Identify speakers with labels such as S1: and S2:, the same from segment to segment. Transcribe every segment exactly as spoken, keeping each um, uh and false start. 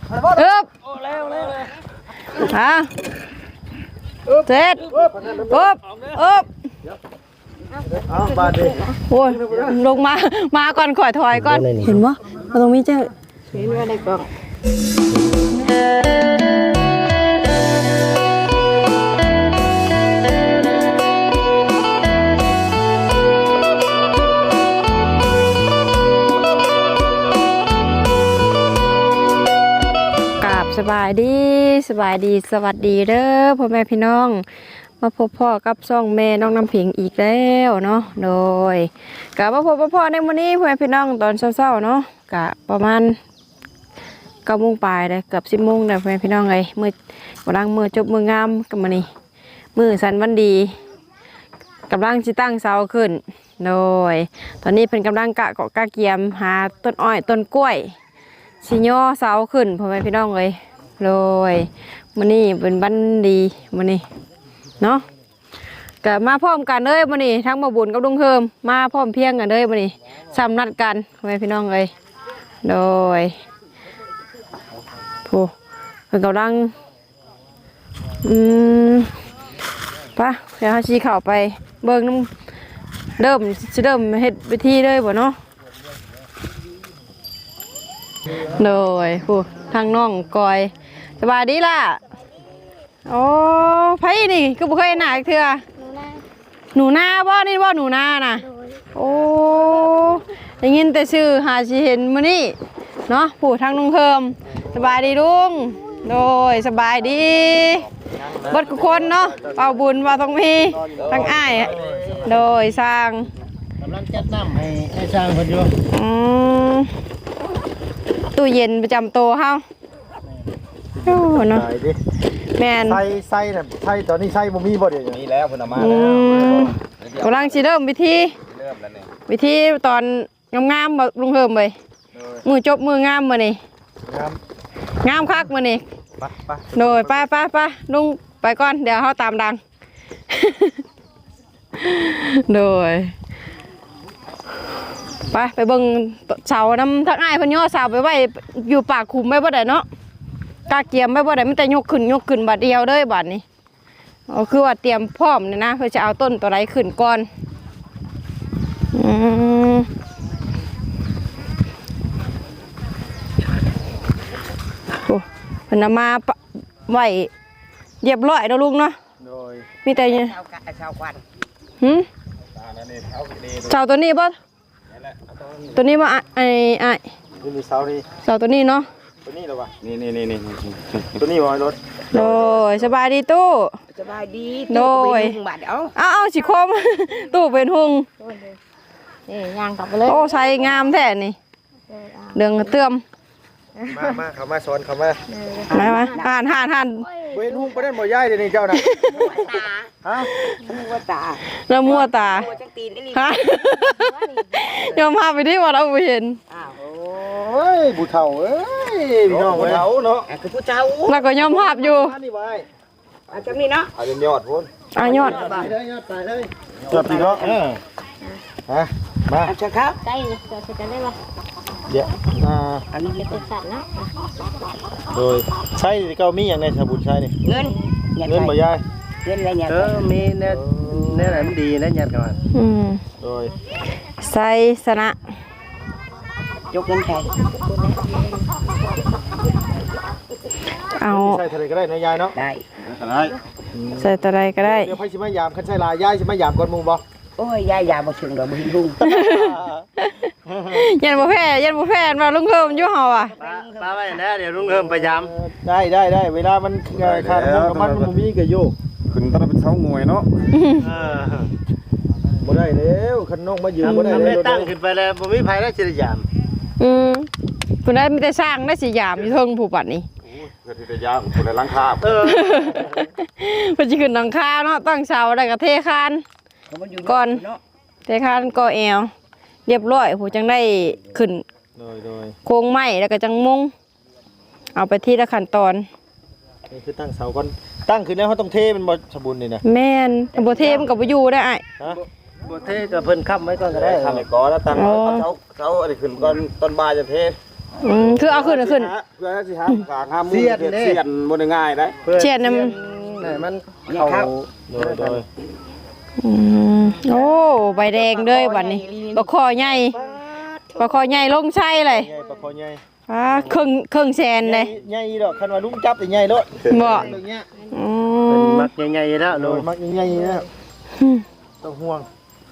S1: อึบฮะเสร็จอึบอึบโอ้ยลงมามาก่อนข่อยถอยก่อนเห็นปะตรงนี้เจ้าเห็นว่าในกล่องสบายดีสบายดีสวัสดีเด้อพ่อแม่พี่น้องมาพบพ่อกับซ่องแม่น้องน้ำผิงอีกแล้วเนาะโดยกะมาพบพ่อในวันนี้พ่อแม่พี่น้องตอนเช้าๆเนาะกะประมาณเก้าโมงปลายเลยเกือบสิบโมงเลยพ่อแม่พี่น้องเลยมือกำลังมือจบมืองามกันมานี่มือสันวันดีกำลังจิตั้งเสาขึ้นโดยตอนนี้เป็นกำลังกะเกาะกะเกียมหาต้นอ้อยต้นกล้วยชิโยเสาขึ้นพ่อแม่พี่น้องเลยเลยมื้อนี้เป็นวันดีมื้อนี้เนาะก็มาพร้อมกันเลยมื้อนี้ทั้งมาบุญกับลุงเฮิมมาพร้อมเพียงกันเลยมื้อนี้ซ้ำนัดกันพ่อแม่พี่น้องเลยโดยผู้เพิ่นกำลังอืมปะเดี๋ยวเฮาสิเข้าไปเบิ่งน้ำเริ่มสิเริ่มเฮ็ดพิธีเลยบ่เนาะโดยผู้ทางน้องกอยสบายดีล่ะโอ้ไผนี่ก็บ่เคยหนาเถื่อหนูนาบ่นี่บ่หนูนาน่ะโอ้ได้ยินแต่ชื่อหาสิเห็นมื้อนี้เนาะผู้ทางน้องเฮิมสบายดีลุงโดยสบายดีเบิดทุกคนเนาะเป่าบุญว่าต้องมีทั้งอ้ายโดยสร้าง
S2: กำลังจัดน้ำให้ให้สร้างเพิ่นอยู่
S1: อืมตู้เย็นประจำโตเฮาโอ้เนาะแม่น
S2: ใส่ใส่น่ะใส่ตอนนี้ใส่บ่มีบ่เดี๋ยวนี้แล้วเพิ่นเอามา
S1: แล้วกำลังสิเริ่มวิธี
S2: เริ่มแล้วนี่
S1: วิธีตอนงามๆบ่ลุงเฮิมเว้ยมือจบมืองามมื้อนี้
S2: งาม
S1: งามคักมื้อนี้
S2: ไปไป
S1: โดยไปไปๆลุงไปก่อนเดี๋ยวเฮาตามดังโดยไปไปเบิ่งเสาน้ำทักอ้ายเพิ่นย่อเสาไปไว้อยู่ปากขุมไว้บ่ได้เนาะกาเกียมไว้บ่ได้มันแต่ยกขึ้นยกขึ้นบัดเดียวเด้อบัดนี้อ๋อคือว่าเตรียมพร้อมนี่นะเพื่อจะเอาต้นตัวใดขึ้นก่อนอืมโอ้เพิ่นเอามาไว้เรียบร้อยแล้วลุงเนาะ
S2: โดย
S1: มีแต่เนี่ยเสาควันหึเสาตัวนี้บ่ตัวนี้ว่าไอ้ไอ้
S2: นี่มีเสานี่
S1: เสาตัวนี้เนาะ
S2: ตัวนี้เหรอวะนี่นี่นี่นี่ตัวนี้บ่รถ
S1: โดยสบายดีตู้
S3: สบายดี
S1: โดยเอาเอาเอาสิคมตู้เป็นหุง
S3: นี่ย่างกลับไปเลย
S1: โอ้ใส่งามแท้นี่เดืองเติม
S2: มามาเข้ามาสอนเข้ามา
S1: มามาห่านห่านห่าน
S2: เป็นหุงประเด็นบ่ย้ายเดี๋ยวนี้เจ้าน่ะฮะ
S3: มัวตา
S1: แล้วมัวตา
S3: มัวจังตีนนี่
S1: ฮะยอมพาไปที่วัดเอาไปเห็น
S2: โอ้ยผู้เฒ่าเอ้ยพี่น้องผู้เฒ่าเนาะ
S3: คือผู้เฒ่า
S1: แล้วก็ยอมภาพอยู่
S2: นี่ไว้
S3: อาจังนี้เนาะ
S2: เอาจนยอดพุ่น
S1: อ่ะยอด
S2: ไปเลยยอดไปเลยยอดพี่เนาะเออฮะมา
S3: อาจังครับได้จะจะได้บ่
S2: เดี๋ยวอ่า
S3: อันนี้เป็นสัตว์นะ
S2: โดยใช้เก้ามีอย่างในสมุนใช้นี่
S3: เงิน
S2: เงินบ่ยาย
S3: เงินอะไรเนี่ย
S2: เออมีเน็ตเน็ตมันดีนะยัดกัน
S1: อืม
S2: โดย
S1: ใส่สนะ
S3: ยกเงินใคร
S1: เอา
S2: ใส่ทะเลก็ได้นะยายเนาะ
S3: ได้
S2: ได้
S1: ใส่ตัวใดก็ได้
S2: เดี๋ยวไผสิมายามคันใช้ลายยายสิมายามก่อนหมู่บ่
S3: โอ้ยยายยาบ่ถึงดอกบ่หินหุ่ง
S1: ยันบ่แพ้ยันบ่แพ้มาลุงเฮิมอยู่เฮาอ่ะ
S2: มาไว้นะเดี๋ยวลุงเฮิมไปยามได้ได้ได้เวลามันขาดน้ำมันมันบ่มีก็อยู่ขึ้นตอนเป็นเช้างวยเนาะเออบ่ได้แล้วคันน้องมายืนบ่ได้แล้วตั้งขึ้นไปแล้วบ่มีไผได้สิได้ยาม
S1: อืมเพิ่นได้มีแต่สร้างได้สิยามอยู่เทิงผู้ปัดนี้
S2: เพิ่นสิได้ยามเพิ่นได้หลังคาเออ
S1: เพิ่นสิขึ้นหลังคาเนาะตั้งเสาได้ก็เทคานก่อนเทคานก่อแอวเรียบร้อยผู้จังได้ขึ้น
S2: โดยโดย
S1: โครงไม้แล้วก็จังมุงเอาไปที่ละขั้นตอน
S2: นี่คือตั้งเสาก่อนตั้งขึ้นแล้วเฮาต้องเทมันบ่สมบูรณ์นี่นะ
S1: แม่นบ่เทมันก็บ่อยู่ได้อ้าย
S2: ฮะบ่เทก็เพิ่นค้ำไว้ก่อนก็ได้ค้ำไว้ก่อนแล้วตั้งเสาเสาอันนี้ขึ้นก่อนต้นบ่ายจะเท
S1: อืมคือเอาขึ้นเอาขึ้น
S2: เพื่อสิหากางห้ามเสียนเสียนบ่ได้ง่ายได้
S1: เชียดน้ำ
S2: ให้มันเข้าโดยโดย
S1: อืมโอ้ใบแดงเด้ยบัดนี้ปลาคอใหญ่ปลาคอใหญ่ลงใช่เลย
S2: ใหญ่ปลาคอใหญ่
S1: อ่าครึ่งครึ่งแสนเลย
S2: ใหญ่ดอกคันว่าลุงจับได้ใหญ่โลด
S1: บ่
S2: เรื่องเนี้ย
S1: อื
S2: เป็น
S1: ม
S2: มักใหญ่ๆแล้วโดยมักใหญ่ๆนะต้องห่วง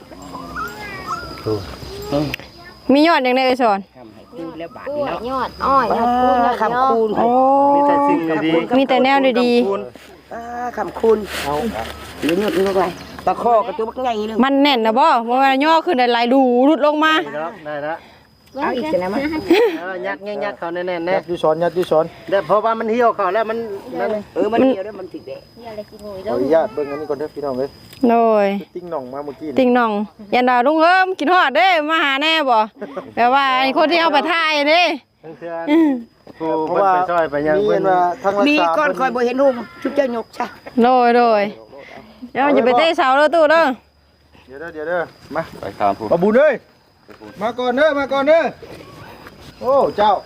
S1: มียอดอย่างไรเอ่ยสอน
S3: คูณแล้วบาท
S4: กล้
S3: นี่
S4: วย
S3: เนาะ
S4: ยอดอ้อยยอดคูณยอด
S3: คำคูณ
S1: โอ้
S2: มีแต่สิ่งดี
S1: มีแต่แนวดี
S3: อ่าคำคูณเอาเดี๋ยวนี้ลงไปตะข้อกระตุ้บักใหญ่นึง
S1: ๆมันแน่นนะบ่เพราะว่าย่อขึ้นได้หลายดูรุดลงมา
S2: ได้แล้ว
S3: เอาอีกสินะมั้ย
S2: ยักยักเขาแน่ๆแน่ยัดอยู่สอนยัดอยู่สอนเดี๋ยวเพราะว่ามันเหี่ยวเขาแล้วมันนั่น
S3: เออมันเดียวแล้วมันถึกแดด
S4: เดี๋ยวอะไรกินหน่อย
S2: ขออนุญาตเบิ่งอันนี้ก่อนเด้อพี่น้องเอ้ย
S1: โดย
S2: ติ้งหน่องมาเมื่อกี้
S1: ติงน้องยันดาลุงเอิมกินฮอดเด้มาหาแน่บ่แปลว่าไอ้คนที่เอาไปถ่ายเด้
S2: เพราะว่ามีเห็นว่าทางรัก
S3: มี
S2: ษา
S3: ก้อนคอยบ่เห็นหุ่มชุบเจ้าหยกซะ
S1: โดยโดยเดี๋ยวอย่าไปเตะเสาเด้อตู้เด้อ
S2: เดี๋ยวเด้อเดี๋ยวเด้อมาไปตามผู้บุญเอ้ยมาก่อนเด้อมาก่อนเด้อโอ้เจ้า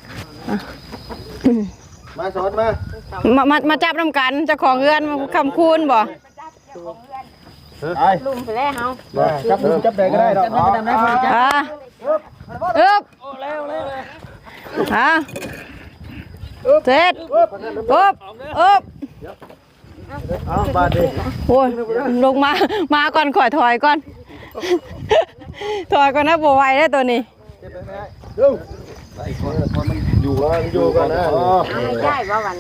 S2: มาสอนมา
S1: มามามาจับน้ำกันเจ้าของเรือนคำคูณบ่
S2: ไอ้
S4: ลุมไปแล้วเฮา
S2: จับจับได้ก็ได้ดอกจับได้ก็ได้
S1: อ่าอึบฮะเสร็จอึบอึบ
S2: เอาบาดดิ
S1: โอ้ยลงมามาก่อนข่อยถอยก่อนถอยก่อนนะบ่ไหวได้ตัวนี้
S2: เร็วอยู่กันอยู่กันนะ
S4: ได้บ่วัน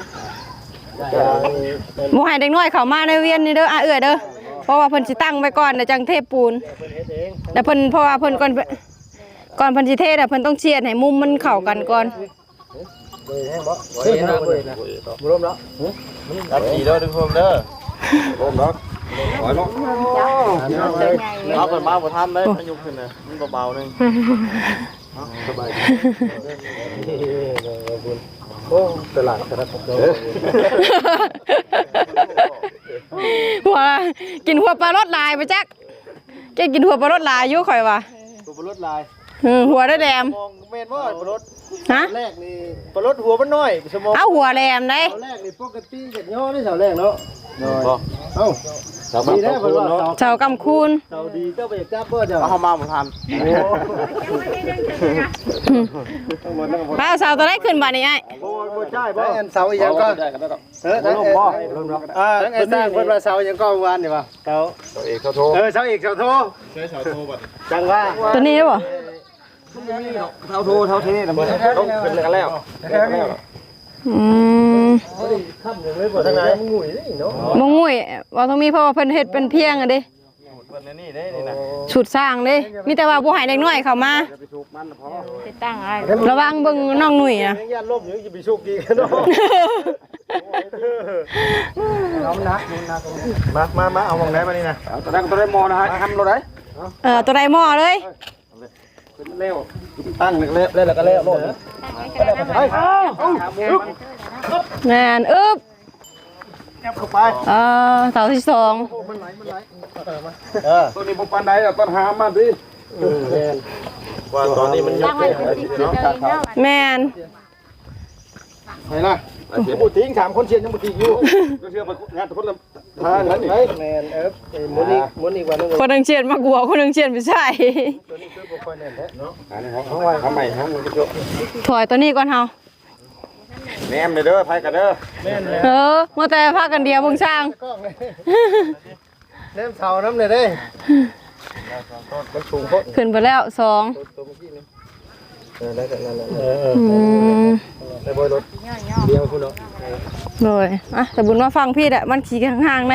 S1: บ่ให้เด็กน้อยเข้ามาในเวียนนี่เด้ออ่ะเอื้อเด้อเพราะว่าเพิ่นสิตั้งไว้ก่อนเดี๋ยวจังเทปูนแล้วเพิ่นเพราะว่าเพิ่นก่อนก่อนเพิ่นสิเทน่ะเพิ่นต้องเชียดให้มุมมันเข้ากันก่อน
S2: เฮ้ยนะบุร่มแล้วรับขี่เด้อทุกคนเด้อร่มแล้วถอยมั้งเอาไปมาบ่ทันเลยมันยุบขึ้นนะมันเบาๆนึงสบายดีโอ้ตลาดตลาดของเรา
S1: หัวกินหัวปลารสลายไปจักแกกินหัวปลารสลายอยู่ข่อยว่า
S2: ตัวปลดลาย
S1: อือหัวได้แหลม
S2: มองเมนว่าปลด
S1: ฮะ
S2: แรกนี่ปลดหัวมันน้อยสมอง
S1: เอาหัวแหลมได้
S2: เสาแรกนี่ปกติเห็ดย่อนี่เสาแรกเนาะเอ้าเสาดีได้เพิ่นว่าเสา
S1: เจ้ากำคูณ
S2: เสาดีเจ้าไปจับเบิ่เจ้าเอามาบ่ทันโอ้
S1: ป้าเสาตัวได้ขึ้นบัดนี้ไอ้
S2: บ่บ่ใช่บ่อันเสาอีหยังก็เออลมบ่อ่าไอ้สร้างเพิ่นว่าเสาอีหยังก็เมื่อวานนี่ว่าเสาเสาเอกเสาโทเออเสาเอกเสาโทใช่เสาโทบัดจังว่า
S1: ตัวนี้ได้บ่
S2: เท่าโทเท่าเทนะมึงต้องเป็นกันแล้ว
S1: อืม
S2: ค่ำเลยบ่ทางไหนมึงงุ่ยนี่เนาะ
S1: บ่งุ้ยว่าต้องมีเพราะว่าเพิ่นเฮ็ดเป็นเพียงอ่ะเด้
S2: เพิ่นนี่เด้นี่นะ
S1: ฉุดสร้างเด้มีแต่ว่าบ่ให้เด็กน้อยเข้ามา
S2: ไปถูกมันพอ
S4: ติดตั้งอะไร
S1: ระวังเบิ่งน้องหนุ่ยนะ
S2: ย่านลมอยู่จะไปโชคดีกันเนาะน้ำหนักมามามาเอามองไหนมานี่นะตัวนั้นตัวได้มอนะฮะทำเราได้
S1: เออตัวใดหม้อเลย
S2: เร็วตั้งเร็วเร็วแล้วก็เร็วโลดไป
S1: แม่นอึ๊บ
S2: จับเข้าไป
S1: เอ่อเสาที่สอง
S2: เออตัวนี้บุปันใดอ่ะต้นหามาดิว่าตอนนี้มันย
S4: ตั้
S2: ก
S4: งไว้ติดเลยเนาะ
S1: แม่น
S2: ไหนล่ะยังบุตริงสามคนเชียนยังบุตริงอยู่ก็เชื่อมางานทุกคนละทางนั้นนี่แมนเอฟมุนอีกมุนอีกวันนึง
S1: คนหนึงเชียนมากกว่าคนหนึงเชียนไปใช่
S2: ตัวนี้คือบุคคลเนี่ยเนาะอันนี้ของไว้ของใหม่ของมึงก็เยอะ
S1: ถอยตัวนี้ก่อนเฮา
S2: แนมเลยเด้อไผกันเด้อแม่นเลย
S1: เออเมื่อแต่พากันเดียวเบิ่งช่าง
S2: แนมเสาน้ำเลยเด้มันสูงโคตร
S1: ขึ้นไปแล้วสอง
S2: ตัวเมื่อกี้นี่เออได้แต่นั่นแหละเออ
S1: อืม
S2: ได้บอยรถเดียวคุณเนาะ
S1: เลยอ่ะแต่บุญมาฟังพี่แหละมันขี่ห่างๆเลย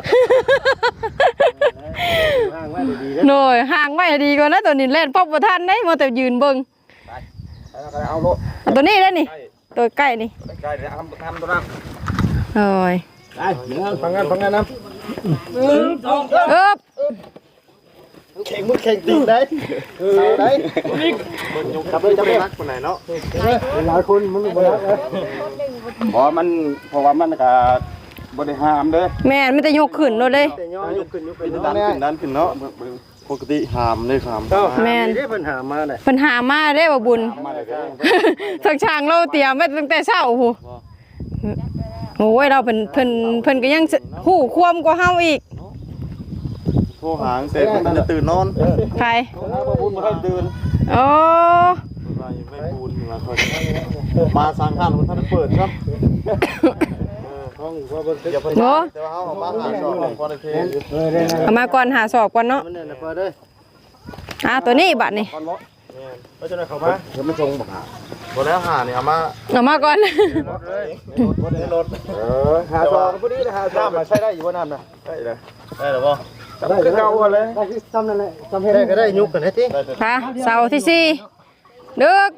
S2: ห่างไว้ดีๆ
S1: โดยห่างไว้ดีกว่านะตัวนี้เล่นป๊อบบ่ทันได้มาแต่ยืนเบิ่ง
S2: เอาโล
S1: เอาตัวนี้ได้นี่ตัวใกล้นี่
S2: ใกล้ๆทำทำตัวนั้น
S1: โอ้ย
S2: ได้ฟังงานฟังงานนะ
S1: อึ๊บ
S2: แข่งมือแข่งตีนได้เอาได้จับเลยจับเลยรักคนไหนเนาะหลายคนมันบ่รักเลยเพราะมันเพราะว่ามันก็บ่ได้ห้ามเด้อ
S1: แม่นไม่แต่ยกขึ้นโลดเลย
S2: แต่ย่อยกขึ้นยกขึ้นดันขึ้นดันขึ้นเนาะปกติหามเลยครับ
S1: แม่น
S2: ได้ปัญหามาเลย
S1: ปัญหามาได้บ่บุญ
S2: มาเลย
S1: ทางช่างเราเตรียมไว้ตั้งแต่เช้าโอ้โหโอ้ยเราเพิ่นเพิ่นเพิ่นก็ยังฮู้ความกว่าเฮาอีก
S2: โทรหางเสร็จมันจะตื่นนอน
S1: ใคร
S2: มาบุญมาให้ตื่น
S1: โอ้
S2: ไม่บุญมาคนมาสร้างข้าวมันท่านเปิดครับห้องว่าบนอย่าเพิ่ง
S1: โห
S2: แต่ว่าเขามาหาสอบของคนเทน
S1: เอามาก่อนหาสอบก่อนเนาะ
S2: มันเนี่ยเปิดเลย
S1: อ่าตัวนี้บัดนี่
S2: ก่อนบ่ก็จะได้เข้ามาเดี๋ยวมันทรงบอกหาบ่แล้วหาเนี่ยเอามา
S1: เอามาก่อน
S2: รถเลยรถรถเออหาสอบพอดีนะหาสอบมาใช้ได้อยู่บ่น้ำนะได้เลยได้หรือบ่ได้ก็เก่าเลยได้ซ้ำนั่นแหละซ้ำเฮ็ดได้ก็ได้ยุกกันให้ติ
S1: ค่ะเสาร์ที่สี่ดึก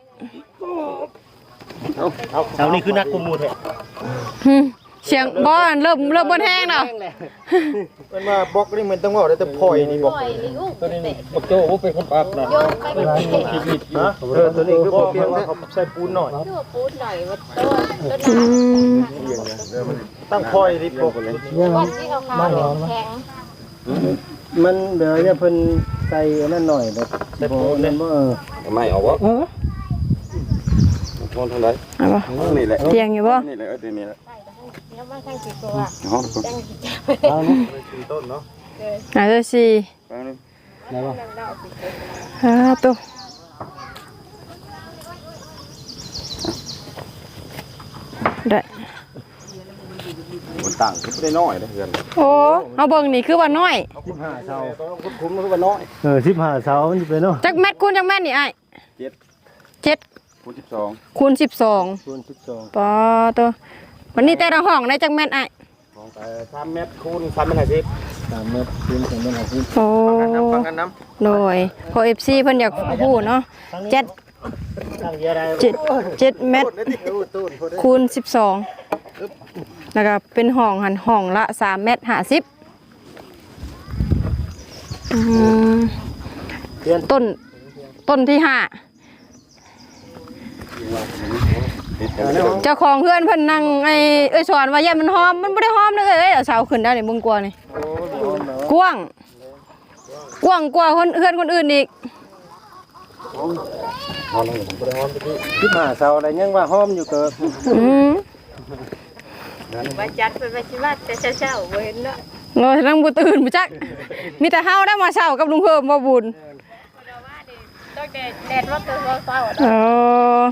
S2: เสานี่คือนักกุมูแท้
S1: หึเสียงบอลเริ่มเริ่มบนแห้งแล้ว
S2: มันมาบล็อกนี่มันต้องว่าได้แต่พลอยนี่บอก
S4: ปล่อยลิงอุ้มเตะ
S2: บักโจ้เป็นคนปรับนะ
S4: โยนไปเป็นเตะ
S2: นะเออตัวนี้คือพอเพียงว่าเขาใส่ปูนหน่อย
S4: ชั่วปูดหน่อยว่าต้นต้น
S1: อืม
S2: ตั้งพลอยนี่ปกเลย
S4: ก้อนที่เขาขาวแข็ง
S2: มันเดี๋ยวเนี่ยเพิ่นใส่นั่นหน่อยแบบใส่ปูนเนี่ยเออไม่เอาวะโทนทางไหน
S1: เอาบ่
S2: นี่แหละ
S1: เตียงอยู่บ่
S2: นี่แหละเออนี่แหละ
S4: แล้วมาทั้งกี่ตัว
S2: ห้อง
S4: ตั้งกี่ตัว
S2: เอาเนาะต้นเนาะ
S1: อาจจะสี่
S2: ไปนึง
S4: ได้ป่ะ
S1: อ่าตัวได้
S2: มันต่างก็ได้น้อยนะเพื่อน
S1: โอ้เอาเบิ่งนี่คือว่าน้อย
S2: สิบห้าเสาต้องคุ้มมันก็ว่าน้อยเออสิบห้าเสามันจะเป็นเนาะ
S1: จักแมตคูณจักแมตนี่ไอ้
S2: เจ็ด
S1: เจ็ด
S2: คูณสิบสอง
S1: คูณสิบสอง
S2: คูณสิบสอง
S1: ปอตัววันนี้แต่ละห้องได้จักแมตไอ้
S2: ของแต่สามเมตรคูณสามเมตรห้าสิบสามเมตรคูณสามเมตรห้าสิบ
S1: โอ้
S2: ฟังกันน้ำ
S1: โดยพอเอฟซีเพิ่นอยากพูดเนาะเจ็ด
S2: ตั้งเยอะได้
S1: เจ็ดเจ็ดเมตรคูณสิบสองแล้วก็เป็นห้องหันห้องละสามเมตรห้าสิบอืมต้นต้นที่ห้าเจ้าของเพื่อนเพิ่นนั่งไอ้เอ้ยสอนว่าอย่ามันหอมมันไม่ได้หอมเลยเอ้ยเอาเสาขึ้นได้นี่มึงกลัวนี่กว้างกว้างกว่าคนเพื่อนคนอื่นอีก
S2: สิบห้าเสาอะไรยังว่าหอมอยู่เกิด
S1: อืม
S4: ว่าจัดไปไปชิว่าแต่เช้าๆเห็นเนาะ
S1: เงยนั่งบ่ตื่นบ่จักมีแต่เฮาได้มาเช้ากับลุงเพิ่มบ่บุญ
S4: ต้องแดดแดดว่าตัวเศร้า
S1: เออ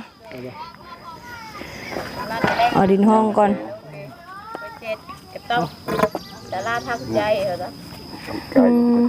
S1: เอาดินห้องก่อน
S4: เจ็ดกับต้องแต่ลาทำใจเหรอ
S1: อืม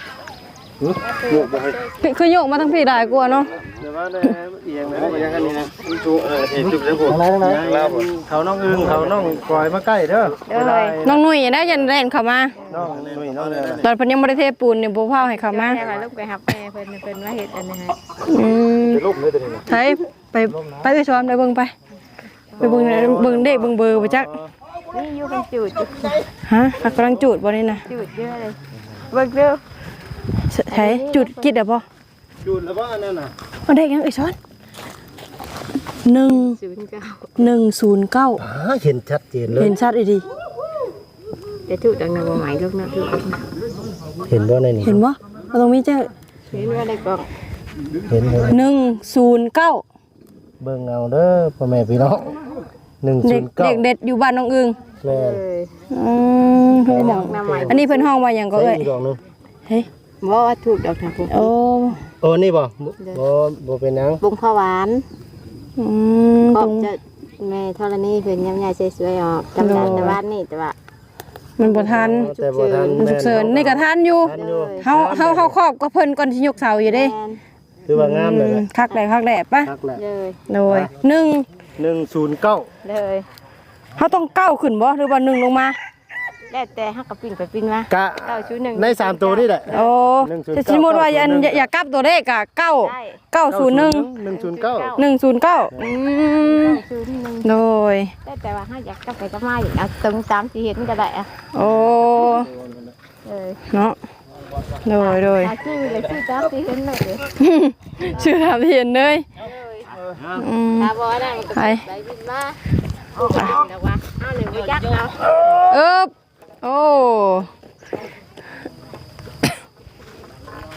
S1: คือคือโยกมาทั้งพี่ได้กลัวเนาะ
S2: เดี๋ยวว่าเนี่ยเอียงนะเอียงกันนี่นะชูเออเห็นจุดแล้วผมทางไหนทางไหนเขาน้องอึ้งเขาน้องปล่อยมาใกล้เด้อ
S1: น้องหนุ่ยได้ยันเล่นเข้ามา
S2: น้องนุ่ยน้องเนี่ย
S1: ตอนเพิ่นยังบ่ได้เทปูนนี่บ่พาให้เข้ามา
S4: แค่ว่าลูกไปหับแม่เพิ่นเพิ่นว่าเฮ็ดอันนี้ให้
S1: อืม
S2: เป็นลูกเลยตัวนี้นะ
S1: ไปไปไปไปซ้อมได้เบิ่งไปไปเบิ่งเบิ่งเด็กเบิ่งเบอร์บ่จัก
S4: นี่อยู่เป็นจุด
S1: ฮะกำลังจูดบ่นี่น่ะ
S4: จุดเยอะเลยเบิ่งเด้อ
S1: ใช้จูดกิดได้บ่
S2: จูดแล้วว่านั่นน่ะ
S1: เอาได้ยังเอ้ยซ้อนหนึ่ง
S4: ศูนย์เก้า
S1: หนึ่งศูนย์เก้า
S2: เห็นชัดเจนเลย
S1: เห็นชัดอีดี
S4: แต่ถูกดังนั้นบ่หมายลูกนะถูก
S2: เห็นว่าในนี้
S1: เห็นบ่เอาตรงนี้เจ้า
S4: เห็นว่าได้กล่อง
S2: เห็น
S1: หนึ่งศูนย์เก้า
S2: เบิ่งเอาเด้อพ่อแม่พี่น้องหนึ่ง
S1: เด็
S2: ศู
S1: ก
S2: นย์เก้า
S1: เด็กเด็ดอยู่บ้านน้องอึง
S2: แล้
S4: เอ
S2: ว
S4: อ
S1: อืมเพิ่นบอกอันนี้เพิ่นห้องว่าหยังก็เอ้ย
S2: ดอกนึง
S1: เฮ้ย
S4: บ่ว่าถูกดอกนะพุ่น
S1: โอ้
S2: โอ้นี่บ่บ่บ่เป็นหยัง
S4: บุงข้าวหวาน
S1: อืม
S4: ก็
S1: ตรง
S4: จะแม่ธรณีเพิ่นยำยายสวยๆออกจำได้แต่ว่านี่แต่ว่า
S1: มันบ่ทัน
S2: แต่บ่ทัน
S1: มันฉุกเฉินนี่ก็ทันอยู่
S2: ทันอยู่
S1: เฮาเฮาเฮาครอบก็เพิ่นก่อนสิยกเสาอยู่เด้
S4: แม่น
S2: คือว่างามเลย
S1: อื
S2: นะ
S1: มคักแหละคักแหละปะ
S2: ทักแหละ
S4: เลย
S1: โดยหนึ่ง
S2: หนึ่งศูนย์เก้า
S4: เลย
S1: เฮาต้องเก้าขึ้นบ่หรือว่าหนึ่งลงมา
S4: แล้วแต่ฮักกับปิ้งไปปิ้งมาก
S2: ะ
S4: เก้าชุดหนึ่ง
S2: ในสามตัวนี่แหละ
S1: โอ้
S2: หนึ่งศูนย์
S1: จะ
S2: เก้า
S1: สมมุติว่าอย่าอย่าอย่ากลับตัวเลขอ่ะเก้า
S4: ได้
S1: เก้าศูนย์หนึ่ง
S2: หนึ่งศูนย์เก้า
S1: หนึ่งศูนย์เก้าอืม
S4: ชุดหนึ่ง
S1: โดย
S4: แต่แต่ว่าฮักอยากกลับไปกลับมาอย่างเอาตรงตามที่เห็นก็ได้อะ
S1: โอ้
S4: เลย
S1: เนาะโดยโดย
S4: หาชื่อเลยชื่อตามที่เห็นเลย
S1: ชื่อทำเห็นเลยอืม
S4: ตาบอได้มันก็
S1: ไป
S4: ไปบินมาโอ้ยแต่ว่าเอาหนึ่งไปยักเอา
S1: เอ๊บโอ้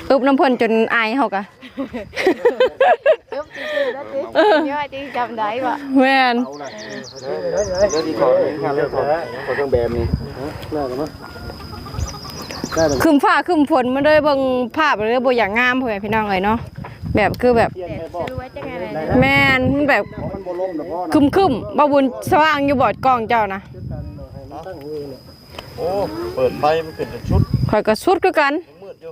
S1: อึบน้ำเพ่นจนอายเขากะ
S4: อึ๊บซื่อๆแล้วสิย่อยจริงจำได้บ่
S1: แม่น
S2: เดี๋ยวดีขอเรื่องเรื่องขอขอเครื่องแบบนี้น่ากันมั้ยได้เลย
S1: คืมฟ้าคืมฝนมันเลยเบิ่งภาพเลยบ่อย่างงามพ่อแม่พี่น้องเลยเนาะแบบคือแบบ
S4: เด็ดจะรู้ว่าจะไงอะไร
S1: แม่นมันแบบ
S2: มันบ่ล้มดอกพ่อนะ
S1: คึมคึมบ่บุญสว่างอยู่บอดกล้องเจ้านะ
S2: โอ้เปิดไฟมันเป็นชุด
S1: ข่อยก็สุดคือกัน
S2: มืดอยู่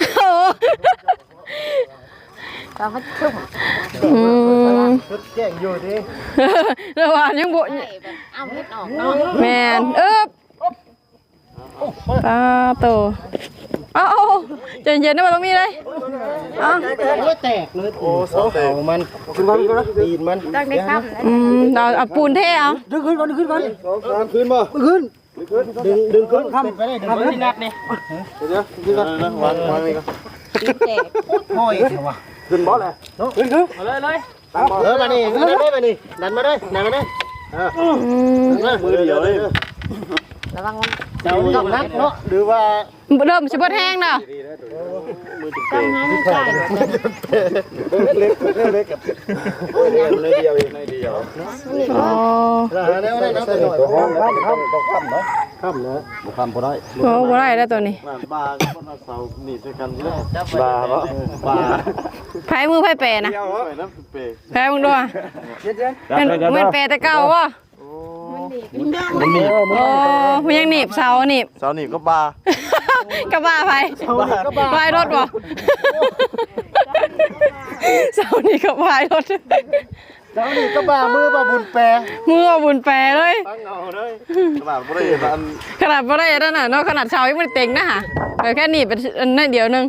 S4: ตอนมันทุ่ม
S1: อืม
S2: ชุดแจ้งอยู่ดิ
S1: ระหว่างยังบ่
S4: ใช่แบบเอาเม็ดออกเนาะ
S1: แม่นเอิบปลาโตเอาเอาใจเย็นๆนะบ่ต้องมีเลยเอ้า
S2: แตกเลยโอ้เสาแตกมันขึ้นมาแล้วตีนมัน
S4: ต้องได้ซ้ำแล้ว
S1: อืมเอาเอาปูนเทเอา
S2: ดึงขึ้นก่อนดึงขึ้นก่อนสองสามขึ้นบ่ขึ้นดึงดึงขึ้นข้ามไปได้ดึงขึ้นนัดนี่เดี๋ยวขึ้นก่อนวางวางนี่ก่อน
S4: แตก
S2: ห้อยขึ้นบ่แหละขึ้นขึ้นเลยเลยเออมานี่ขึ้นได้มานี่ดันมาได้ดันมาได้เออ
S1: อืม
S2: มือเดียวเลย
S4: ระวังมัน
S2: เจ้าต้องนักเนาะหรือว่า
S1: เริ่มสิบ่แห้งเนาะ
S4: ต้องให้มันใส่
S2: เล็กเล็กเล็กกับในเดียวในเดียว
S1: อ๋อ
S2: แล้วแล้วแล้วแต่หน่อยข้ามข้ามข้ามต้องข้ามนะข้ามนะบุข้ามพอได้
S1: โอ้บ่ได้แล้วตัวนี้
S2: บาคนเสาหนีบด้วยกันใช่ไหมบาปะบา
S1: ไผมือไผแปรนะ
S2: เดียวเหรอน้ำเปย์
S1: แปรมึงดูอ่ะเป็นเหมือนแปรแต่เก่าวะ
S2: มันมี
S1: โอ้มันยังหนีบเสาหนีบ
S2: เสาหนีบก็บาก
S1: ระบะไผบายรถบ่เสานี่ก็บายรถ
S2: เสาหนีบก็บามือบ่บุญแปร
S1: มือบุญแปรเลย
S2: ตั้งเอาเลยขนาดบ่ได้อัน
S1: ขนาดบ่ได้นั่นน่ะเนาะขนาดเสายังไม่ได้เต็งนะฮะแต่แค่หนีบเป็นอันนั่นเดียวนึง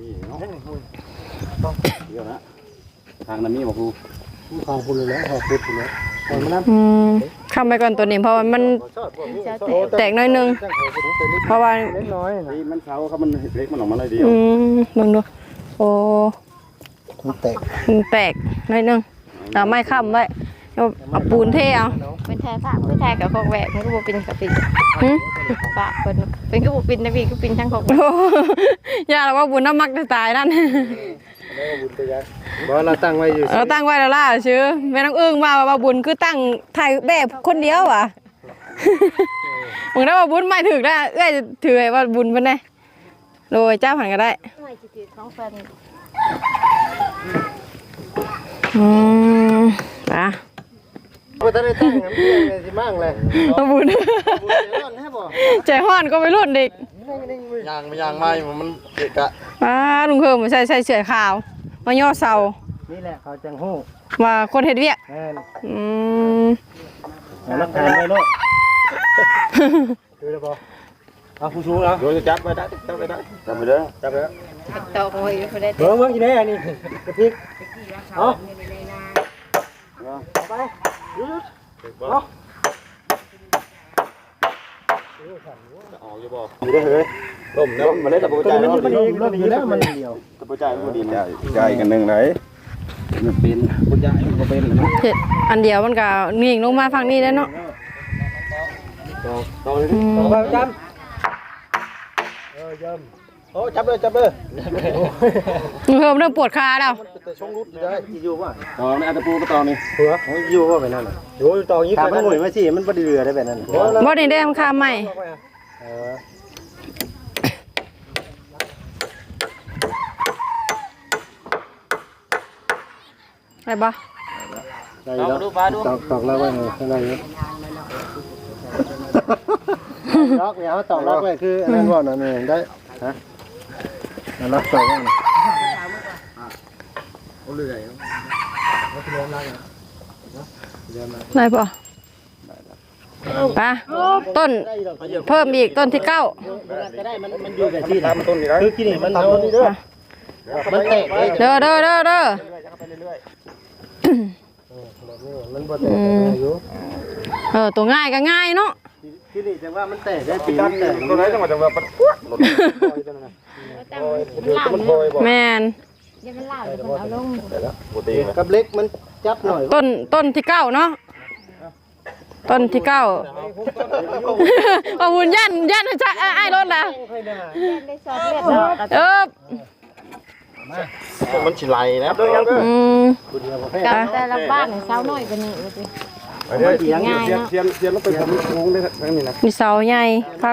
S2: เดี๋ยวนะทางนั้นมีบอกครูทางคุณเลยแล้วขอบคุณแล้วตอนนั้น
S1: อืมคำไปก่อนตัวนี้เพราะว่ามันแตกน้อยนึงเพราะว่า
S2: เล็กน้อยนี่มันเสาเขามันเล็กมันออกมาเลยเดียว
S1: อืมมึงดูโอ้
S2: มันแตก
S1: มันแตกน้อยนึงเอาไม้ค้ำไว้เอาเอาปูนเทเอา
S4: เป็นแท้ผ้าเป็นแท้กับของแหวกมันก็บ่เป็นกับปิน
S1: หึ
S4: ปะเป็นเป็นก็บ่ปินนะพี่ก็ปินทั้งของ
S1: โอ้ย่าเราว่าบุญน้ำมักจะตายนั่น
S2: บ่เราตั้งไว้อยู่
S1: เราตั้งไว้แล้วล่ะชื่อแม่น้องอึ้งว่าว่าบุญคือตั้งถ่ายแบบคนเดียวอ่ะ มึงได้ว่าบุญไม่ถือได้เอ้ยถือไว้ว่าบุญเป็นไงโดยเจ้าผ่านก็ได้
S4: ไม่สิถือของแฟน
S1: อืมนะ
S2: บ่ทันได้ตั้งน้ำเพียงเลยสิมั่งเลย
S1: เอาบุญ ใจห้อนก็ไปรุ่นเด็ก
S2: ยางไม่ยางไม่มันเกะกะ
S1: มาลุงเพิ่มมาใส่ใส่เสื้อขาว มาย่อเสา
S2: นี่แหละเขาจังฮู้
S1: มาคนเฮ็ดเวียก
S2: แม่น
S1: อืม
S2: รักฐานไว้เนาะดูได้บ่เอาผู้ชูเอาเดี๋ยวจะจับไว้ได้จับไว้ได้จับไปเด้อจับไปเด้อ
S4: ตอกไว้บ่ได้
S2: เบิ่งเบิ่งอีแน่นี่กระพริกเอาไปหยุดเอาออกอยู่บ่อยู่ได้เฮ้ยต้มน้ำมันได้ตะปูจ่ายมันมันอยู่แล้วมันเดียวตะปูจ่ายมันดีแล้วจ่ายกันนึงไหนมันเป็นปูจ่ายมันก็เป็นนะ
S1: เฮ็ดอันเดียวมันก็นิ่งลงมาฝั่งนี้แล้วเนาะ
S2: ต่อต่อเลยต่อไปจำเออยำโอ้จับเลยจับเลย
S1: ลุงเพิ่มเริ่มปวดขาแล้ว
S2: แต่ช่องรุดอยู่ได้อยู่ป่ะต่อในอัตปูก็ต่อนี่เผื่ออยู่ว่าแบบนั้นอยู่ต่ออย่างนี้ขามันหมุนมาสิมันบ่ได้เรือได้แบบนั้น
S1: บ่ได้ได้ทำคาใหม่
S2: เออ
S1: ไปบ่
S2: ได้แล้วดูปลาดูตอกตอกแล้วไว้ไงข้างในนี้ล็อกเนี่ยเอาตอกล็อกไว้คืออันนั้นว่านั่นเองได้ฮะล็อกตอกไว้นี่เอาเรื่อยเอาที่ล้มล่างนะ
S1: ได้ป่ะปะต้นเพิ่มอีกต้นที่เก้า
S2: ก็ได้มันมันอยู่กับที่ทำต้นนี่คือกินนี่มันทำต้นนี่เด้อมันแตกเลย
S1: เด้อเด้อเด้อเด้อ
S2: มันบ่แตกอยู่
S1: เออตัวง่ายก็ง่ายเนาะ
S2: ที่นี่จังว่ามันแตกได้ปีมันแตกตัวไหนจังหวะจังหวะมันหล่นลอยตัวนั้นนะ
S4: ตั้งมันลาม
S2: มัน
S4: เ
S2: ลอยบ่
S1: แมน
S4: ดี๋ยวมันลามเดี๋ยวมันเอาลง
S2: กับเล็กมันจับหน่อย
S1: ต้นต้นที่เก้าเนาะต้นที่เก้าเอาบุญยันยันจะไอ้รถละ
S4: ได้สอดเลือดเนาะ
S1: เออ
S2: มันสิไหลนะ
S1: อืม
S4: กับแต่ละบ้านเนี่ยเช้าน้อยกว่านี้ว่าสิ
S2: ง่ายนะเสียนเสียนแล้วไปทำโค้งได้ทั้งนี้นะ
S1: มีเสาใหญ่คัก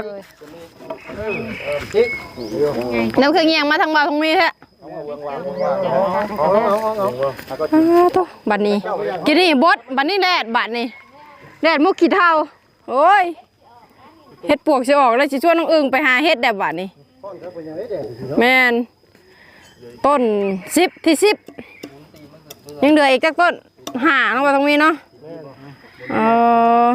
S1: น้ำเครื่องเงียงมาทางบ่าวทางนี้แท้อ้าวโตบัดนี้กินนี่บดบัดนี้แดดบัดนี้แดดมุกขี้เท่าโอ้ยเฮ็ดปวกสิออกแล้วสิชวนน้องอึ่งไปหาเฮ็ดแดดบัดนี้แม่นต้นสิบที่สิบยังเหลืออีกจักต้นหาลงไปตรงนี้เนาะเออ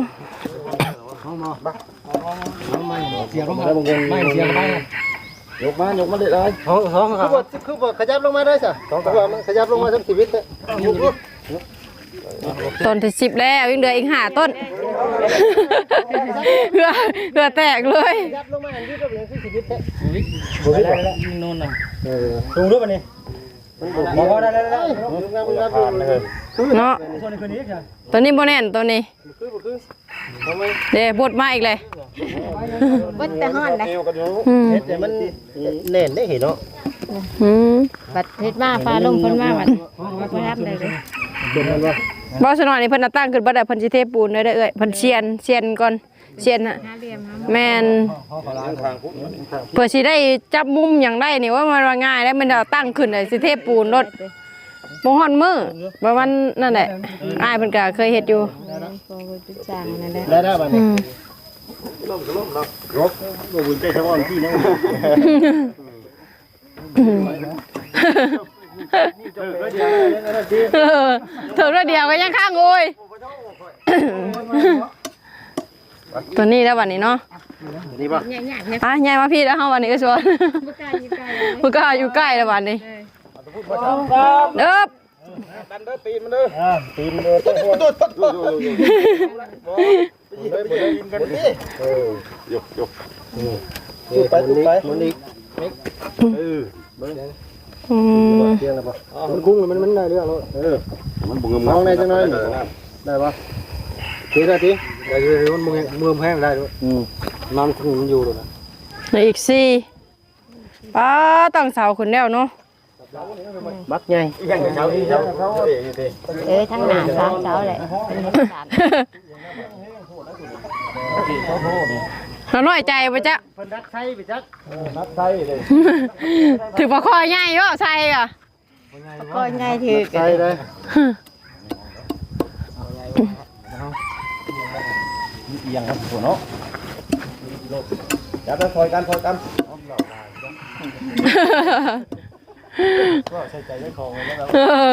S2: เสียงลงมาไม่เสียงไปยกมายกมาเลยได้สองสองคือว่าคือว่าขยับลงมาได้สิสองตัวมันขยับลงมาทั้งชีวิตเลยยก
S1: ต้นที่สิบแล้วยังเหลืออีกห้าต้นเพื่อเพื่อแตกเลย
S2: ขยับลงมาอันนี้ก็เป็นชีวิตแท้ชีวิตได้แล้วยิงโน่นน่ะเออสูงด้วยป่ะนี่พอได้ได้ได้
S1: เนาะตัวนี้โบแน่นตัวนี้เดี๋ยวบดมาอีกเลย
S4: บดแต่ฮ้อนได้
S1: อืม
S2: แต่มันแน่นได้เห็นเนาะ
S1: อืม
S4: บัดเฮ็ดมาฟ้าลงเพิ่นมาบัดบ่รับเลยเด้อ
S1: บ่สนอยนี่เพิ่นน่ะตั้งขึ้นบ่ได้เพิ่นสิเทปูนได้เด้อเอ้ยเพิ่นเชียนเชียนก่อนเชียนน่ะ
S4: หาเหลี่ยมหา
S1: แม่นเพื่อสิได้จับมุมหยังได้นี่ว่ามันว่าง่ายแล้วมันเอาตั้งขึ้นได้สิเทปูนรถบ่ฮอดมือประมาณนั่นแหละอ้ายเพิ่นก็เคยเฮ็ดอยู่
S4: พอบ่ติดจางนั่นแหละ
S2: ได้ได้ป่ะ
S1: อื
S2: นี่
S1: ม
S2: ล้มก็ล้มเนาะรบโอ้บุญใจชาวบ้านที่นะ
S1: เออถึงแล้วเดียวก็ยังข้างโอยตัวนี้แล้ววันนี้เนาะ
S2: นี่ป่ะ
S4: ใหญ่ๆเนี่ย
S1: อ่ะยายมาพี่แล้วเฮาวันนี้ก็ชวน
S4: บ่กล้าอยู่ใกล้เลย
S1: มึงก็อยู่ใกล้แล้ววันนี้เด้อ
S2: ดันเด้อตีนมันเด้อตีนมันเด้อตุ๊ดตุ๊ดตุ๊ดตุ๊ดตีนกันดิเออยกยกตุ๊ดไปตุ๊ดไปมันอีกเออ
S1: อืม
S2: เที่ยงแล้วป่ะมันกุ้งมันมันได้เรื่องแล้วเออมันบุ้งมองได้จังเลยได้ป่ะทีได้ทีได้ทีมันมือมือแห้งได้ด้วยน้ำกุ้งมันอยู่เลยนะ
S1: เหลืออีกสี่ป้าตั้งเสาขึ้นแล้วเนาะ
S2: มักไงยังเช้าที่เช้าเขาเองที
S4: เอ้ยทั้งหน้าสามเช้าแหละเป็นเฮ็ดสาร
S1: เราน้อยใจไปจ้ะ
S2: เพิ่นรักไทยไปจักรักไทยเลย
S1: ถือปลาคอใหญ่เยอะใช่อ่ะ
S4: ก็ง่ายถือ
S2: ไทยเลยเอียงครับหัวเนาะจับแล้วคอยกันคอยกันก็ใส่ใจได้ของเลยแล้ว
S1: เออ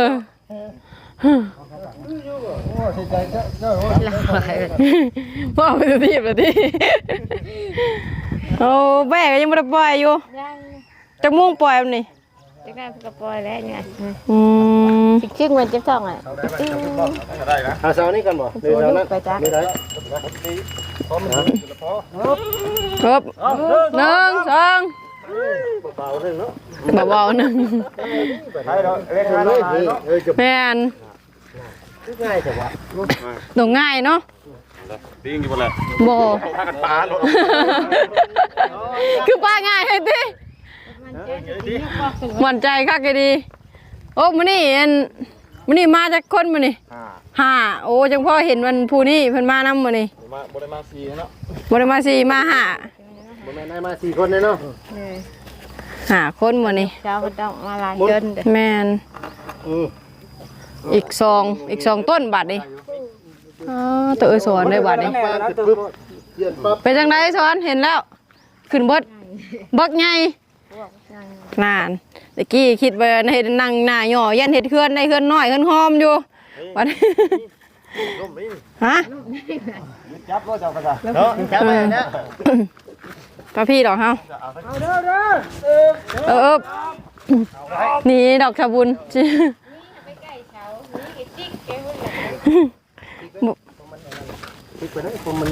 S2: ใส่ใจเจ้าเจ้า
S1: พ่อไปดูทีบเลยดิโอ้แม่ก็ยังไม่ได้ปล่อยอยู่
S4: ยัง
S1: จะมุ่งปล่อยมันนี่
S4: จักได้ก็ปล่อยแล้วไง
S1: อืม
S4: สิชึ้งมันเจ็บท้องอ่ะ
S2: เอาเสานี่กันบ่เดี๋ยวนั้น
S4: ไปจ้ะ
S2: ไม่ได้
S1: ครับหนึ่งสอง
S2: เบาๆนึงเนาะ
S1: เบาๆหนึ่ง
S2: ใช่เราเล่นกันเลยเออจะ
S1: แม่น
S2: ง่ายแต่ว่า
S1: ตรงง่ายเนาะ
S2: ดิ้งอยู่บ่ล่ะ
S1: บ่
S2: พากันปลาโลด
S1: คือป้าง่ายเลยดิมั่นใจคักดีโอ้มื้อนี้อันมื้อนี้มาจากคนมื้อนี้
S2: อ่า
S1: ห้าโอ้จังพ่อเห็นวันผู้นี้เพิ่นมานำมื้อนี้
S2: มาบ่ได้มาสี่เนาะ
S1: บ่ได้มาสี่มาห้า
S2: บ่แม่นได้มาสี่คนเลยเนาะ
S1: ห้าคนมื้อนี้
S4: เช้าก็ต้องมาล้างจนเด้อ
S1: แม่น
S2: อือ
S1: อีกสองอีกสองต้นบัดนี้อ๋อตัวเอ้ยสอนได้บัดนี้
S2: ปลาปึ๊บเย็นปั๊บ
S1: เป็นจังไดสอนเห็นแล้ว ขึ้นเบิดบักใหญ่นานตะกี้คิดว่าในนั่งหน้าย่อยันเฮ็ดเฮือนได้เฮือนน้อยเฮือนหอมอยู่บัดนี้
S2: ล้มนี่
S1: ฮะ
S2: จับบ่เจ้าก็ได้เนาะจับไปเนี่ย
S1: ป้าพี่ดอกเฮาเออเออนี่ดอกชะบุญ
S2: อีกคนนึงคนมัน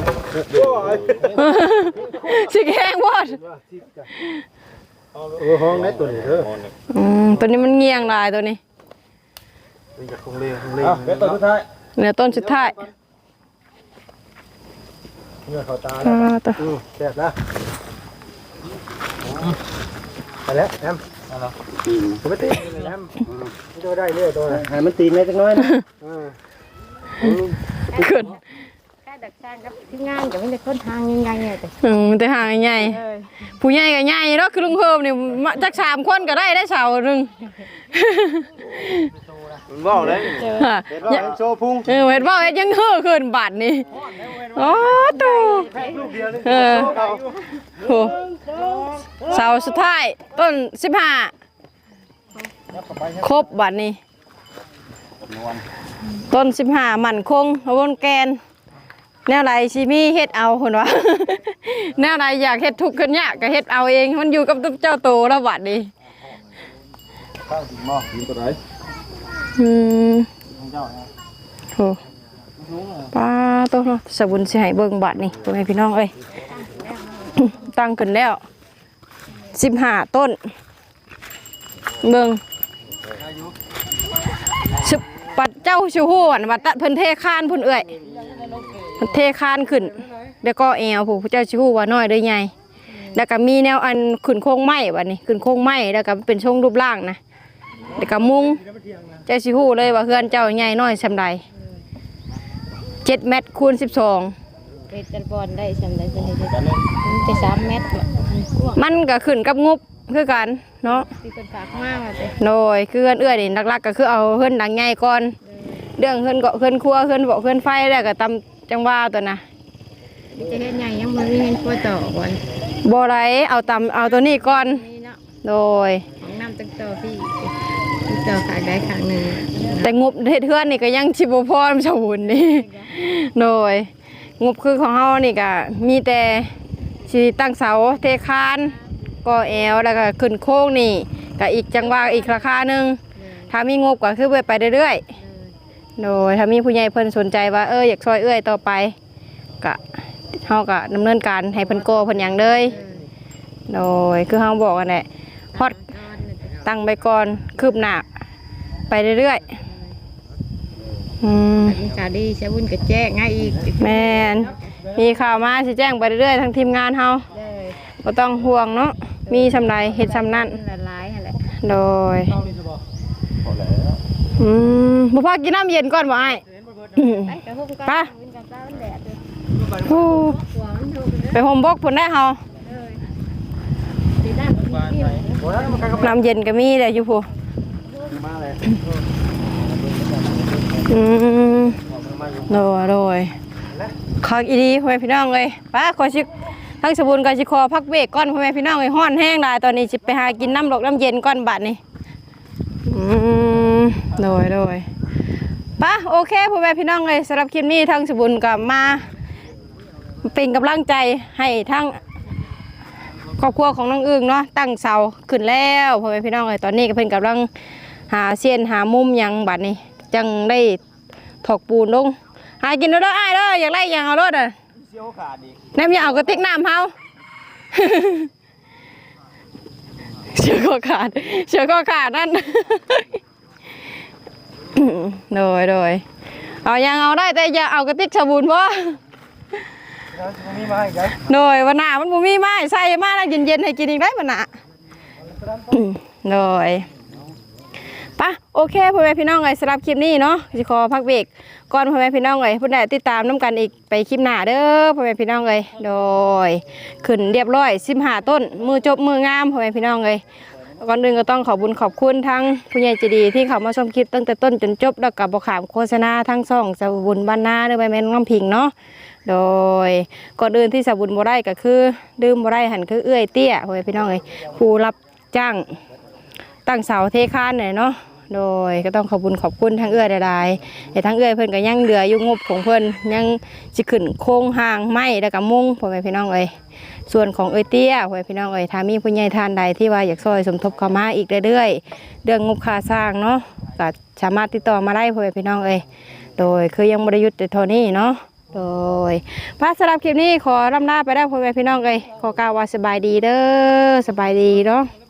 S1: สิแห้งวอด
S2: เออห้องไหนตัวนี้เด้อ
S1: อืมตัวนี้มันเงียงลายตัวนี้
S2: นี่จะคงเลี้ยงคงเลี้ยงเดี๋ยวตัวสุดท้าย
S1: เหลือต้นสุดท้าย
S2: เนื้อเข้าตา
S1: อ่า
S2: แล้ว
S1: ตัว
S2: อือแซ่บนะไปแล้วแอมผมไม่ตีเลยนะมันจะได้เรื่อยตัวให้มันตีนได้จังน้อยนะ
S1: ขึ้น
S4: แค่ดักช่างกับที่งานกับไม่ได้คนทางยังไงเนี่ยแต่
S1: อืมแต่ห่างใหญ่ผู้ใหญ่ก็ใหญ่เนาะคือลุงเพิ่มนี่มาจักสามคนก็ได้ได้เสาหนึง
S2: มันบอกเลยเห็นว่าโชว์พุง
S1: เออเห็นว่ายังเฮ่อขึ้นบาทนี่โอ้ตูเออโหเสาสุดท้ายต้นสิบห้าครบบาทนี่ต้นสิบห้าหมั่นคงบนแกนแนวไรชิมีเฮ็ดเอาคนวะ แนวไรอยากเฮ็ดทุกข์ขึ้นยากก็เฮ็ดเอาเองมันอยู่กับตุ๊กเจ้าโตแล้วบาทนี่
S2: ข้าวถึงหม้อกินตัวไหน
S1: อืมโหป้าโตเนาะสบุญสิให้เบิ่งบาทนี่พ่อแม่พี่น้องเอ้ย ตั้งขึ้นแล้วสิบห้าต้นเบิ่งสิบปัดเจ้าชูฮู้อันวัดตะเพิ่นเทคานพุ่นเอ้ยเพิ่นเทคานขึ้นแล้วก็แอวผู้เจ้าชูฮู้ว่าน้อยเด้อใหญ่แล้วก็มีแนวอันขึ้นโค้งไม้บัดนี้ขึ้นโค้งไม้แล้วก็เป็นทรงรูปร่างนะแล้วก็มุงเจ้าชูฮู้เลยว่าเฮือนเจ้าใหญ่น้อยซำใดเจ็ดเมตรคูณสิบสอง
S4: เป็นตะบอนได้สำได้เป็นเลยมันจะสามเมตร
S1: มันก็ขึ้นกับงบคือกันเนาะ
S4: ที่เป็นฝากมากเลย
S1: โดยคือเฮือนเอื้อยนี่หลักๆก็คือเอาเฮือนหลังใหญ่ก่อนเรื่องเฮือนเกาะเฮือนครัวเฮือนเบาะเฮือนไฟแล้วก็ตำจังว่าตัวน่ะ
S4: จะเห็นใหญ่ยังมันมีเงินพอต่อก่อน
S1: บ่ไรเอาตำเอาตัวนี้ก่อน
S4: นี่เนาะ
S1: โดย
S4: ของน้ำตั้งต่อพี่ต่อขายได้ครั้งหนึ่ง
S1: แต่งบเฮ็ดเฮือนนี่ก็ยังสิบ่พอสมบูรณ์นี่โดยงบคือของเฮานี่ก็มีแต่สิตั้งเสาเทคานก่อแอวแล้วก็ขึ้นโค้งนี่ก็อีกจังว่าอีกราคาหนึงถ้ามีงบก็คือไปเรื่อยๆโดยถ้ามีผู้ใหญ่เพิ่นสนใจว่าเอออยากช่วยเอื้อยต่อไปก็เฮาก็ดำเนินการให้เพิ่นโกเพิ่นหยังเลยโดยคือเฮาบอกกันแหละฮอดตั้งไปก่อนคืบหน้าไปเรื่อยๆอืม
S4: มีข่าวดีใช้บุญกับแจ้งง่ายอีก
S1: แม่นมีข่าวมาสิแจ้งไปเรื่อยๆทางทีมงานเฮา
S4: เลย
S1: บ่ต้องห่วงเนาะมีชำไรเฮ็ดชำนั่น
S4: ละลายอะไร
S1: โดยอืมบ่พอกินน้ำเย็นก่อนบ่อ้าย
S4: ไปกระหุ่มกัน
S1: ไป
S4: วินกันตามันแดดเลย
S1: โอ้
S4: หัวมันถูกเลย
S1: ไปห่มบกพุ่นได้เฮา
S4: เลยสีด้านที่
S1: น้ำเย็นก็มีแต่อยู่ผู้
S2: มาเลย
S1: อืมโดยโดยขออีดีพ่อแม่พี่น้องเลยป้าขอชิทั้งสบุญก็สิขอพักเบรกก่อนพ่อแม่พี่น้องเลยฮ้อนแห้งหลายตอนนี้สิไปหากินน้ำดอกน้ำเย็นก่อนบัดนี้อืมโดยโดยป้าโอเคพ่อแม่พี่น้องเลยสำหรับคลิปนี้ทั้งสบุญก็มาเป็นกำลังใจให้ทั้งครอบครัวของน้องอึ้งเนาะตั้งเสาขึ้นแล้วพ่อแม่พี่น้องเลยตอนนี้ก็เพิ่นกำลังหาเสี้ยนหามุมหยังบัดนี้จังได้ถอกปูนลงหากินแล้วเด้ออ้ายเด้ออยากไล่ยังเอารถอ่ะ
S2: เสี้ยวขาดอีก
S1: น้ำยาเอากระติกน้ำเฮา เชือกก็ขาดเชือกก็ขาดนั่น โดยโดยเอายังเอาได้แต่อย่าเอากระติกสบู่เพราะ
S2: มีมาอีกแล้ว
S1: โดยวันหน้ามันบ่มีไม้ใส่มาแล้วเย็นๆให้กินอีกได้วันหน้า โดยปะโอเคพ่อแม่พี่น้องเลยสำหรับคลิปนี้เนาะสิขอพักเบรกก่อนพ่อแม่พี่น้องเลยผู้ใดติดตามน้ำกันอีกไปคลิปหน้าเด้อพ่อแม่พี่น้องเลยโดยขึ้นเรียบร้อยสิบห้าต้นมือจบมืองามพ่อแม่พี่น้องเลยก่อนอื่นก็ต้องขอบคุญขอบคุณทั้งผู้ใหญ่ใจดีที่เขามาชมคลิปตั้งแต่ต้นจนจบแล้วกับบขามโฆษณาทั้งซ่องสาวบุญบ้านนาหรือใบแมนน้ำพิงเนาะโดยก่อนอื่นที่สาวบุญบ่ได้ก็คือดื่มบ่ได้หันคือเอื้อยเตี้ยพ่อแม่พี่น้องเลยผู้รับจ้างตั้งเสาเทคานหน่อยเนาะโดยก็ต้องขอบคุณขอบคุณทั้งเอื้อยใดๆแต่ทั้งเอื้อยเพิ่นก็ยังเหลืออยู่งบของเพิ่นยังสิขึ้นโค้งห่างไม้แล้วก็มุ้งพ่อแม่พี่น้องเอ้ยส่วนของเอ้ยเตี้ยพ่อแม่พี่น้องเอ้ยถ้ามีผู้ใหญ่ท่านใดที่ว่าอยากซอยสมทบเข้ามาอีกเรื่อยๆเรื่องงบค่าสร้างเนาะก็สามารถติดต่อมาได้พ่อแม่พี่น้องเอ้ยโดยคือยังบ่ได้หยุดแต่เท่านี้เนาะโดยพระสำหรับคลิปนี้ขอรำลาไปได้พ่อแม่พี่น้องเอ้ยขอกล่าวว่าสบายดีเด้อสบายดีเนาะ